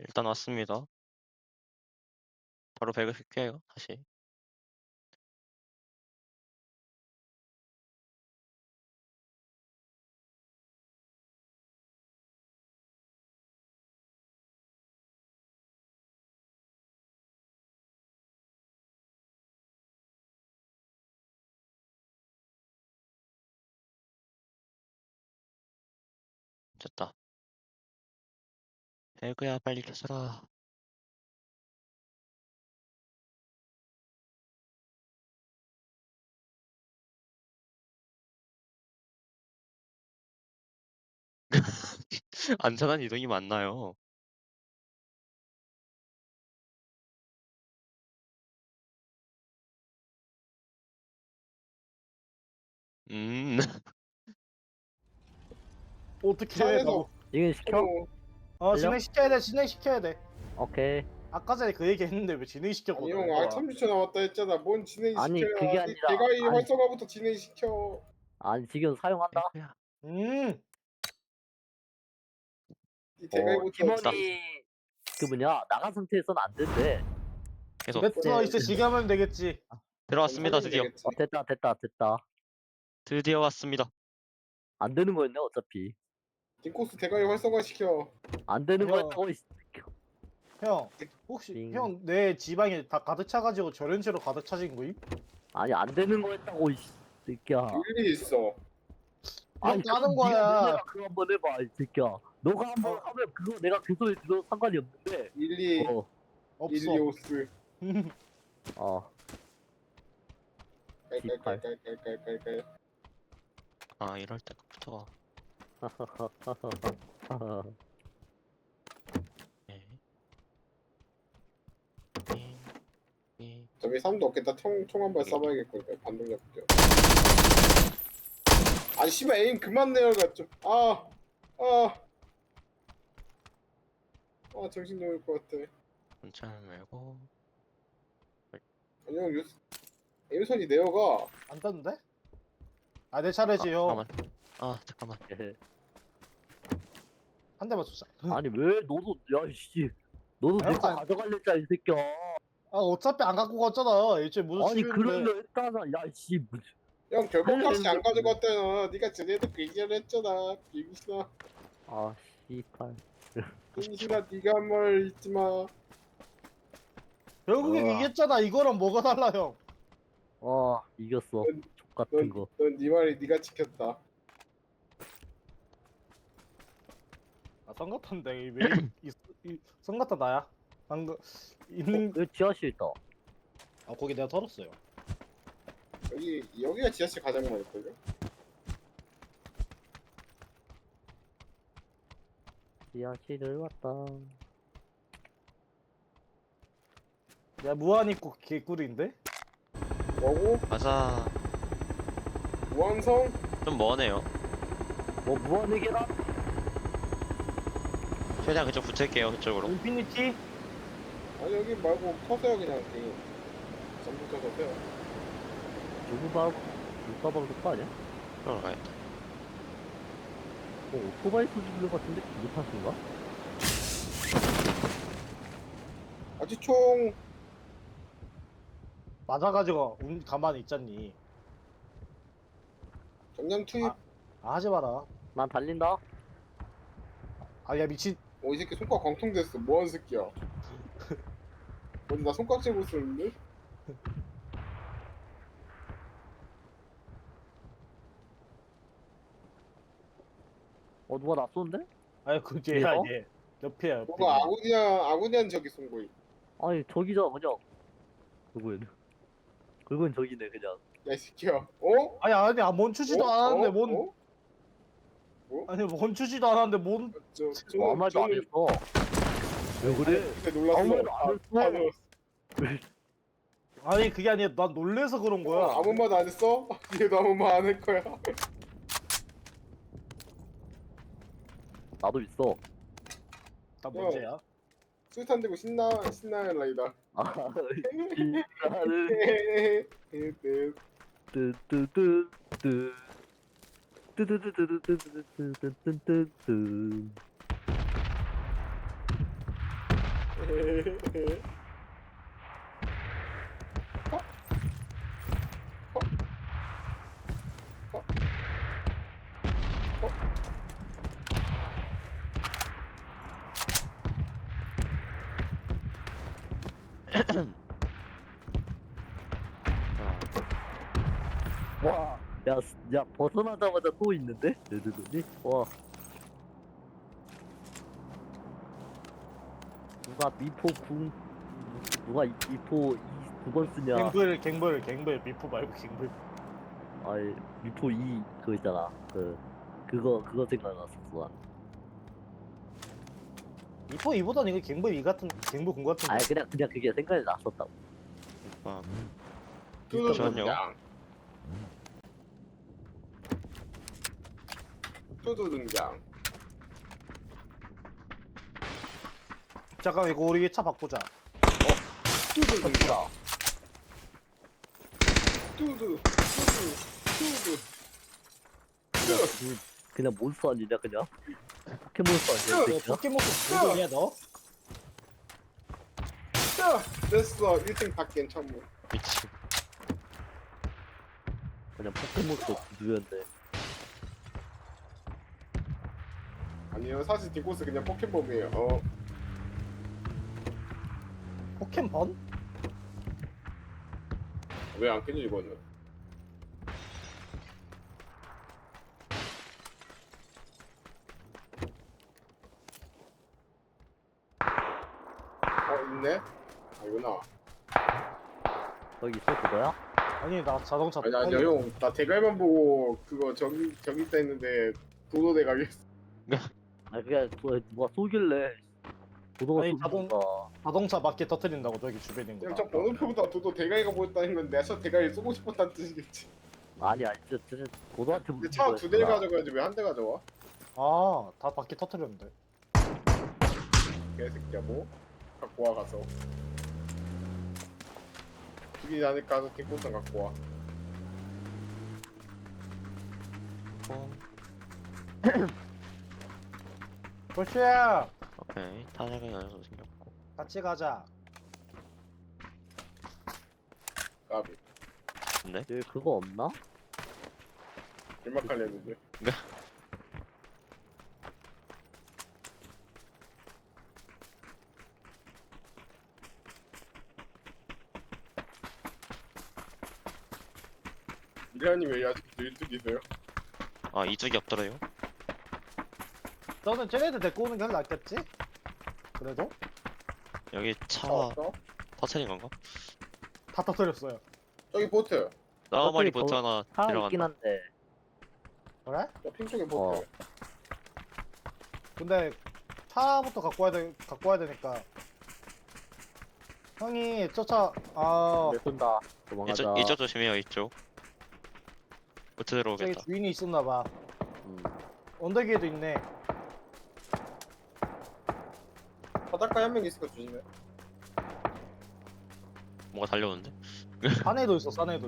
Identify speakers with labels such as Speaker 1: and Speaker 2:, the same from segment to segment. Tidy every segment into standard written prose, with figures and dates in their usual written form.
Speaker 1: 일단 왔습니다. 바로 배그 킬게요. 다시. 됐다. 배그야 빨리 켜서라. 안전한 이동이 맞나요?
Speaker 2: 어떻게 해?
Speaker 3: 산에서
Speaker 4: 진행시켜? 걸려?
Speaker 2: 진행시켜야 돼. 진행시켜야 돼.
Speaker 4: 오케이.
Speaker 2: 아까 전에 그 얘기 했는데 왜
Speaker 3: 아니
Speaker 2: 진행시켰거든.
Speaker 3: 형 R30초 남았다 했잖아. 뭔
Speaker 4: 아니,
Speaker 3: 진행시켜야.
Speaker 4: 그게 아니라-
Speaker 3: 대가리
Speaker 4: 아니.
Speaker 3: 활성화부터 진행시켜.
Speaker 4: 아니 지금 사용한다.
Speaker 1: 배그야.
Speaker 2: 음.
Speaker 3: 이 대가리부터
Speaker 4: 팀원이 그 뭐냐 나간 상태에서는 안 된대.
Speaker 1: 계속
Speaker 2: 뱉어
Speaker 4: 네.
Speaker 2: 이제 지금 하면 되겠지.
Speaker 1: 들어왔습니다. 드디어.
Speaker 4: 됐다.
Speaker 1: 드디어 왔습니다.
Speaker 4: 안 되는 거였네 어차피.
Speaker 3: 딩코스 대가리 활성화시켜.
Speaker 4: 안 되는
Speaker 2: 아니요.
Speaker 4: 거였다고.
Speaker 2: 형 혹시
Speaker 4: 빙.
Speaker 2: 형 내 지방에 다 가득 차가지고 저런채로 가득 차진 거임?
Speaker 4: 아니 안 되는 거였다고 이 새끼야.
Speaker 3: 일리 있어.
Speaker 2: 형 까는
Speaker 4: 그럼
Speaker 2: 거야.
Speaker 4: 네가 그거 한번 해봐 이 새끼야. 너가 한번 하면 그거 내가 그 소리 들어도 상관이 없는데.
Speaker 3: 일리
Speaker 2: 없어.
Speaker 3: 일리오스.
Speaker 4: 어.
Speaker 3: 깔깔깔깔깔깔깔.
Speaker 1: 아 이럴 때부터. 네.
Speaker 3: 저기 사람도 없겠다. 총 한 발 쏴봐야겠거든. 반동력 때. 아 씨발 에임 그만 내려가 좀. 정신 놓을 것 같아.
Speaker 1: 괜찮을 말고.
Speaker 3: 아니 형 에임선이 내려가.
Speaker 2: 안 떴는데? 아 내 차례지 형.
Speaker 1: 잠깐만.
Speaker 2: 한 대만 쏘자.
Speaker 4: 아니 왜 너도 야씨 너도
Speaker 2: 아니,
Speaker 4: 내거
Speaker 2: 아니.
Speaker 4: 가져갈랬잖아 이 새끼야.
Speaker 2: 아 어차피 안 갖고 갔잖아. 일주일 무슨
Speaker 4: 아니
Speaker 2: 출연인데.
Speaker 4: 그러려 했잖아. 야씨
Speaker 3: 형 결국까지 안 가져갔다나. 네가 전에도 그 얘기를 했잖아. 비비시나.
Speaker 4: 아 씨발.
Speaker 3: 비비시나 네가 한 말 잊지 마.
Speaker 2: 결국엔 이겼잖아. 이거랑 뭐가 달라 형.
Speaker 4: 이겼어.
Speaker 3: 넌-
Speaker 4: 족 같은 거.
Speaker 3: 넌 네 말이 네가 지켰다.
Speaker 2: 아 썬같은데 왜 썬같다 나야. 방금 있는
Speaker 4: 여기 지하실 있다.
Speaker 2: 아 거기 내가 털었어요.
Speaker 3: 여기가 지하철 가장 많을걸요?
Speaker 4: 지하실을 왔다.
Speaker 2: 내가 무한 입고 개꿀인데?
Speaker 3: 뭐고?
Speaker 1: 가자.
Speaker 3: 무한성?
Speaker 1: 좀 머네요.
Speaker 4: 뭐 무한의 계란?
Speaker 1: 최대한 그쪽 붙을게요. 그쪽으로.
Speaker 2: 인피니티?
Speaker 3: 아니 여기 말고 터세요 그냥 게임. 전부 터서세요.
Speaker 4: 누구 바로 물가방 그거 아니야?
Speaker 1: 그러러 가야겠다.
Speaker 4: 오토바이 소지불 같은데 기계 탓인가?
Speaker 3: 아직 총
Speaker 2: 맞아가지고 가만히 있잖니.
Speaker 3: 정량 투입.
Speaker 2: 하지 마라.
Speaker 4: 난 달린다.
Speaker 2: 야 미친.
Speaker 3: 이 새끼 손가락 광통됐어. 뭐하는 새끼야? 어디 나 손가락 재고 있었는데?
Speaker 4: 누가 나 쏘는데?
Speaker 2: 아니 그 뒤에야
Speaker 4: 얘요?
Speaker 2: 얘. 옆이야 옆에.
Speaker 3: 뭐가 아구니안 저기 쏜 거임.
Speaker 4: 아니 저기잖아 그냥. 그건 저기네 그냥.
Speaker 3: 야 이 새끼야. 어?
Speaker 2: 아니 멈추지도 않았는데 뭔.
Speaker 3: 어?
Speaker 2: 아니 멈추지도 않았는데 뭔.
Speaker 4: 아무 말도 안 했어. 왜 그래?
Speaker 3: 근데 놀랐어.
Speaker 4: 아무 말도 안 했어.
Speaker 3: 놀랐어.
Speaker 2: 아니 그게 아니라 난 놀래서 그런 거야.
Speaker 3: 아무 말 안 했어? 얘도 아무 말 안 할 거야.
Speaker 4: 나도 있어.
Speaker 2: 나 문제야.
Speaker 3: 술탄 들고 신나는 라이다.
Speaker 4: 나는 뜨뜨뜨뜨 뜨뜨뜨뜨뜨뜨뜨뜨뜨뜨 와, 야, 벗어나자마자 또 있는데? 레드존이? 와. 누가 미포 궁, 누가 미포 2두 번 쓰냐?
Speaker 2: 갱벌 미프 말고 갱벌.
Speaker 4: 아이, 미포 2 그거 있잖아. 그거 생각났어, 난.
Speaker 2: 미프 2보단 이거 갱벌 2 같은 갱벌 군 같은.
Speaker 4: 아니, 그냥 그게 생각이 났었다고.
Speaker 1: 아,
Speaker 3: 뚜두
Speaker 1: 잠시만요.
Speaker 3: 등장. 뚜두 등장.
Speaker 2: 잠깐 이거 우리 차 바꾸자.
Speaker 3: 뚜두 등장. 뚜두.
Speaker 4: 그냥 몬스터 아니냐, 그냥? 포켓몬스터 아니야, 이
Speaker 2: 너
Speaker 4: 새끼야?
Speaker 2: 포켓몬스터 모델이야 너?
Speaker 3: 자, 됐어. 1등 닭겐 천무.
Speaker 1: 미치.
Speaker 4: 그냥 포켓몬스터 구두였는데.
Speaker 3: 아니요, 사실 딩코스 그냥 포켓몬이에요.
Speaker 2: 포켓몬?
Speaker 3: 왜 안 깨지 이거는? 있네? 아니구나.
Speaker 4: 거기 있어, 그거야?
Speaker 2: 아니 나 자동차.
Speaker 3: 아니, 형. 나 대갈만 보고 그거 저기 있다 했는데 도도 대갈이었어.
Speaker 4: 아, 그냥 누가 쏘길래. 도도가
Speaker 2: 아니,
Speaker 4: 쏘니까.
Speaker 2: 자동차 맞게 터트린다고 저기 주변에 있는
Speaker 3: 그냥
Speaker 2: 거.
Speaker 3: 저 번호표보다 도도 대갈이가 보였다는 건 내가 저 대갈이 쏘고 싶었다는 뜻이겠지.
Speaker 4: 아니, 진짜 도도한테
Speaker 3: 근데 차 두 대를 가져가야지 왜 한 대 가져와?
Speaker 2: 아다 바퀴 터트렸는데.
Speaker 3: 개새끼야 뭐? 갖고 와 가서. 죽이지 않을까 하서 딩코스 갖고 와.
Speaker 2: 볼슈야
Speaker 1: 오케이. 탄약은 연소 생겼고.
Speaker 2: 같이 가자.
Speaker 3: 까비.
Speaker 1: 근데
Speaker 4: 여기 그거 없나?
Speaker 3: 일막할 했는데. 미라님 왜 아직도 일찍이세요?
Speaker 1: 아 이쪽이 없더래요.
Speaker 2: 너는 쟤네들 데리고 오는 게 훨씬 낫겠지? 그래도
Speaker 1: 여기 차
Speaker 3: 왔어?
Speaker 1: 터트린 건가?
Speaker 2: 다 터트렸어요.
Speaker 3: 저기 보트.
Speaker 1: 나우마리
Speaker 4: 저기
Speaker 1: 보트 하나
Speaker 4: 차 있긴
Speaker 1: 들어간다.
Speaker 4: 한데.
Speaker 2: 그래?
Speaker 3: 저핑 쪽에 보트.
Speaker 2: 근데 차부터 갖고 와야 되니까. 형이
Speaker 4: 내 쏜다. 도망가자.
Speaker 1: 이쪽 조심해요. 이쪽. 보트
Speaker 2: 저기
Speaker 1: 들어오겠다.
Speaker 2: 주인이 있었나 봐.
Speaker 4: 음.
Speaker 2: 언덕에도 있네.
Speaker 3: 바닷가에 한 명 있으니까 조심해.
Speaker 1: 뭐가 달려오는데?
Speaker 2: 산에도 있어. 산에도.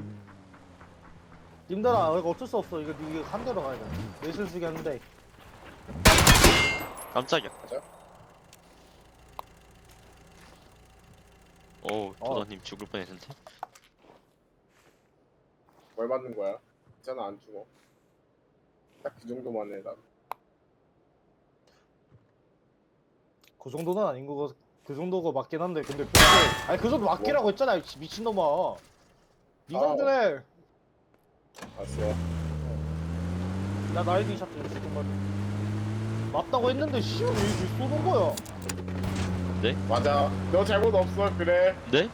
Speaker 2: 님들아 이거 어쩔 수 없어. 이거 한 대로 가야 돼. 내 실수기 한데.
Speaker 1: 깜짝이야.
Speaker 3: 가자.
Speaker 1: 오 도도님 죽을 뻔했는데.
Speaker 3: 뭘 받는 거야? 괜찮아 안 죽어. 딱 그 정도만 해 나.
Speaker 2: 그 정도는 아닌 거고 그 정도가 맞긴 한데 근데 아니 그 정도 맞기라고 했잖아 이 미친놈아. 니가 그래.
Speaker 3: 알았어.
Speaker 2: 나 나이딩 샷 좀 정말 맞다고 했는데 씨발 왜 쏘는 거야?
Speaker 3: 맞아. 너 잘못 없어 그래.
Speaker 1: 네?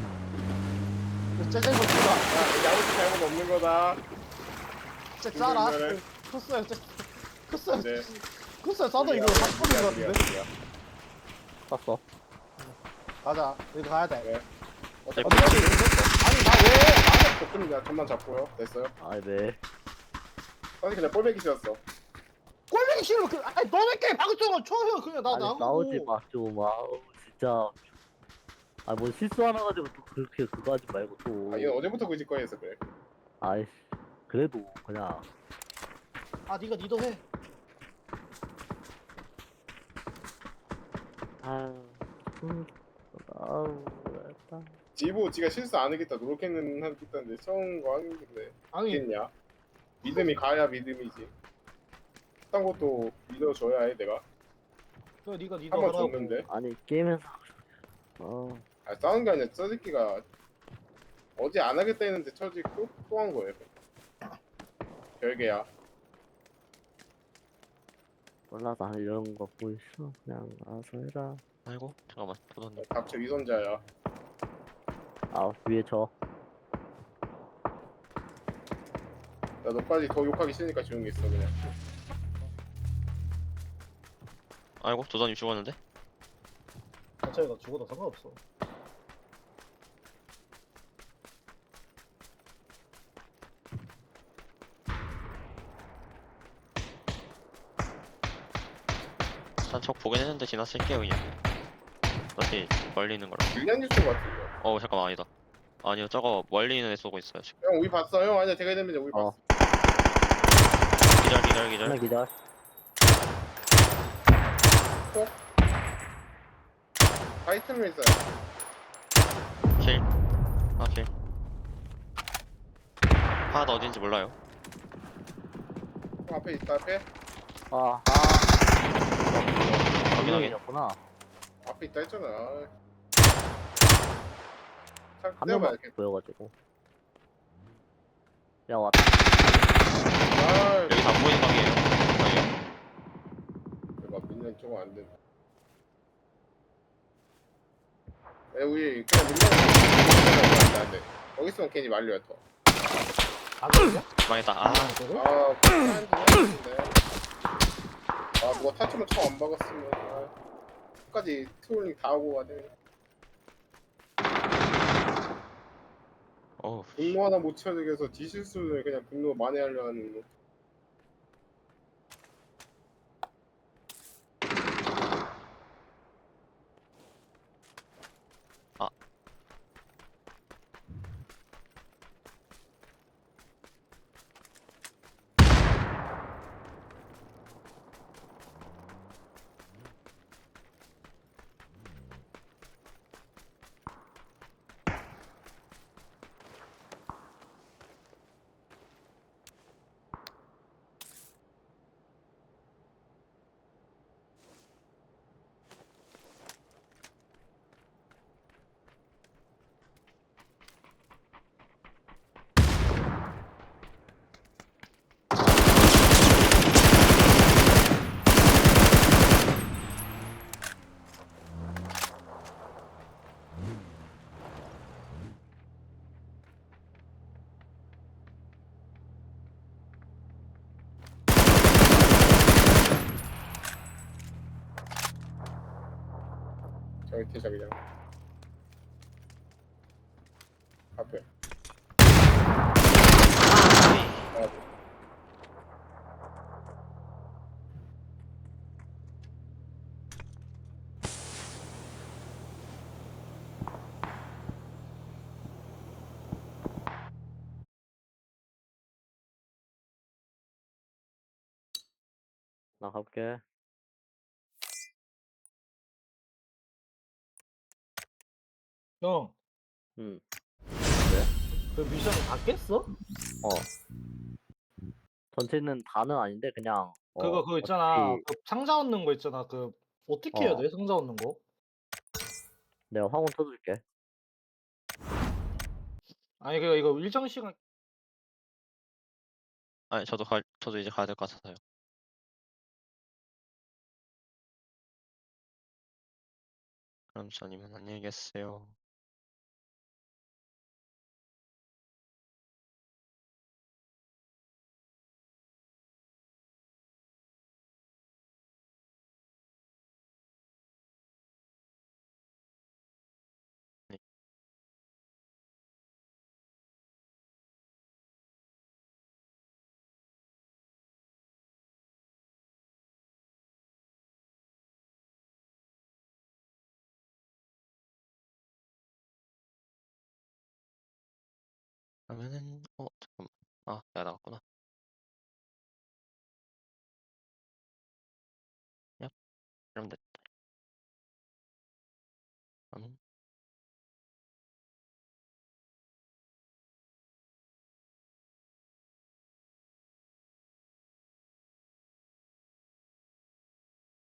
Speaker 2: 째째거 치다.
Speaker 3: 야, 아무튼 잘못 없는 거다.
Speaker 2: 째 짜라.
Speaker 3: 그래.
Speaker 2: 크스야 크스야
Speaker 3: 네.
Speaker 2: 크스야 싸도 이거 바꾸는 거 같은데?
Speaker 4: 쐈어.
Speaker 2: 가자 여기 가야 돼.
Speaker 3: 네.
Speaker 1: 네.
Speaker 2: 언덕이 아니 나 왜?
Speaker 3: 조금 내가 잠만 잡고요. 됐어요.
Speaker 4: 아, 네.
Speaker 3: 사실 그냥 꼴배기 싫었어.
Speaker 2: 꼴보기 싫으면 그 아니 너네끼리 방송을 쳐요 그냥 나
Speaker 4: 아니,
Speaker 2: 나오고.
Speaker 4: 싸우지 마, 좀. 아우, 진짜. 아, 뭐 실수 하나 가지고 또 그렇게 그거 하지 말고 또.
Speaker 3: 아, 얘는 어제부터 그 짓거리에서 그래.
Speaker 4: 아이씨. 그래도 그냥.
Speaker 2: 아 니가 니도 해.
Speaker 4: 아, 아우 됐다.
Speaker 3: 지보 지가 실수 안 하겠다 노력했는 하겠다는데 처음 거 하는데
Speaker 2: 아니
Speaker 3: 있겠냐? 믿음이 가야 믿음이지. 딴 것도 믿어줘야 해 내가.
Speaker 2: 그 네가 니도
Speaker 3: 한번
Speaker 2: 하라고.
Speaker 3: 줬는데.
Speaker 4: 아니 게임에서 어
Speaker 3: 아 싸운 게 아니라 저 새끼가 어제 안 하겠다 했는데 처지 또 한 거예요. 별개야.
Speaker 4: 몰라 나 이런 거 보이소 그냥 알아서 해라.
Speaker 1: 아이고 잠깐만 도전님.
Speaker 3: 닥쳐 위선자야.
Speaker 4: 아 위에 저
Speaker 3: 나 너까지 더 욕하기 싫으니까 조용히 있어 그냥.
Speaker 1: 아이고 도전님 죽었는데?
Speaker 2: 자체가 죽어도 상관없어.
Speaker 1: 산척 보긴 했는데 지나칠게요 그냥. 어차피 멀리 있는 거라.
Speaker 3: 밀리안 유튜브 같은데.
Speaker 1: 어우 잠깐만 아니다. 아니요 저거 멀리 있는 애 쏘고 있어요 지금.
Speaker 3: 형 우리 봤어 형 아니야 제가 되면 우리
Speaker 4: 어.
Speaker 3: 봤어.
Speaker 1: 기절.
Speaker 4: 하나 기다려.
Speaker 3: 타이틀로 있어요.
Speaker 1: 킬. 아 킬. 하나 더 어딘지 몰라요.
Speaker 3: 형 앞에 있다 앞에.
Speaker 4: 아
Speaker 1: 확인하게.
Speaker 4: 였구나.
Speaker 3: 앞에 있다 했잖아.
Speaker 4: 한
Speaker 3: 내가
Speaker 4: 명만
Speaker 3: 이렇게.
Speaker 4: 보여가지고. 야 왔다.
Speaker 3: 아,
Speaker 1: 여기 다 보이는 방이에요. 방이요?
Speaker 3: 내가 밀리안 조금 안 돼. 우리 그냥 밀리안 안 돼. 거기 있으면 괜히 말려야 더.
Speaker 2: 안 되냐?
Speaker 1: 망했다. 아
Speaker 2: 그거?
Speaker 3: 아, 한데 아, 누가 타투만 처음 안 박았으면 끝까지 트롤링 다 하고 가네.
Speaker 1: 어우
Speaker 3: 분노 하나 못 채우게 해서 디실수를 그냥 분노 만회하려 하는 거.
Speaker 1: 아.
Speaker 3: 저기 태자 그냥 앞에. 아,
Speaker 4: 나 가볼게.
Speaker 2: 형,
Speaker 4: 응.
Speaker 2: 그 미션 다 깼어?
Speaker 4: 어. 전체는 다는 아닌데 그냥
Speaker 2: 그거 있잖아.
Speaker 4: 어차피
Speaker 2: 그 상자 얻는 거 있잖아. 그 어떻게 해야
Speaker 4: 어.
Speaker 2: 돼? 상자 얻는 거?
Speaker 4: 내가 화공 쳐줄게.
Speaker 2: 아니 그 이거 일정 시간
Speaker 1: 아니 저도 이제 가야 될 것 같아서요. 그럼 저님은 안녕히 계세요. 네. 그러면은 잠깐만. 아 내가 나갔구나. 야 그럼 됐다.